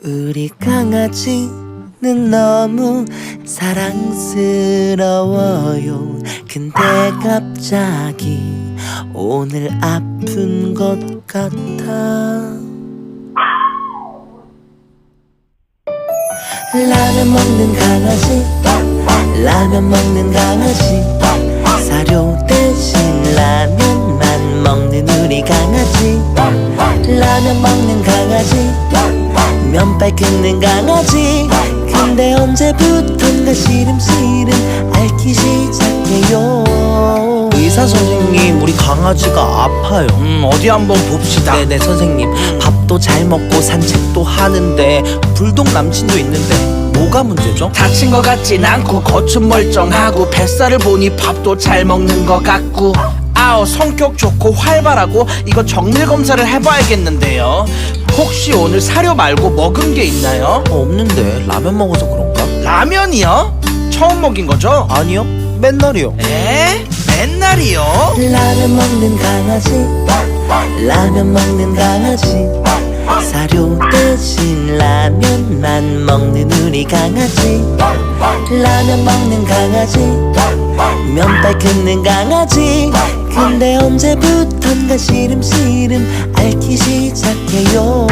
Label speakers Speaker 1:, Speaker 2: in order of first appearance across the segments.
Speaker 1: 우리 강아지는 너무 사랑스러워요. 근데 갑자기 오늘 아픈 것 같아. 라면 먹는 강아지, 라면 먹는 강아지, 사료 대신 라면만 먹는 우리 강아지. 라면 먹는 강아지, 면발 긁는 강아지. 근데 언제부턴가 시름시름 앓기 시작해요.
Speaker 2: 의사 선생님, 우리 강아지가 아파요.
Speaker 3: 어디 한번 봅시다.
Speaker 2: 네네 선생님. 밥도 잘 먹고 산책도 하는데 불독 남친도 있는데 뭐가 문제죠?
Speaker 3: 다친 것 같진 않고 겉은 멀쩡하고 뱃살을 보니 밥도 잘 먹는 것 같고, 아우 성격 좋고 활발하고 이거 정밀 검사를 해봐야겠는데요. 혹시 오늘 사료 말고 먹은 게 있나요?
Speaker 2: 없는데 라면 먹어서 그런가?
Speaker 3: 라면이요? 처음 먹인 거죠?
Speaker 2: 아니요, 맨날이요.
Speaker 3: 에? 맨날이요?
Speaker 1: 라면 먹는 강아지, 라면 먹는 강아지, 사료 대신 라면만 먹는 우리 강아지. 라면 먹는 강아지, 면발 긁는 강아지. 근데 언제부턴가 시름시름 앓기 시작해요.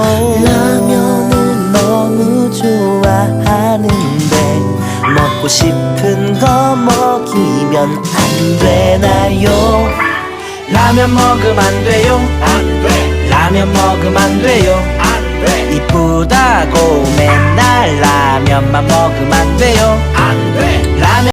Speaker 1: 라면을 너무 좋아하는데 먹고 싶은 거 먹이면 안 되나요?
Speaker 3: 라면 먹으면 안 돼요. 안 돼. 라면 먹으면 안 돼요. 안 돼. 이쁘다고 맨날 라면만 먹으면 안 돼요. 안 돼. 라면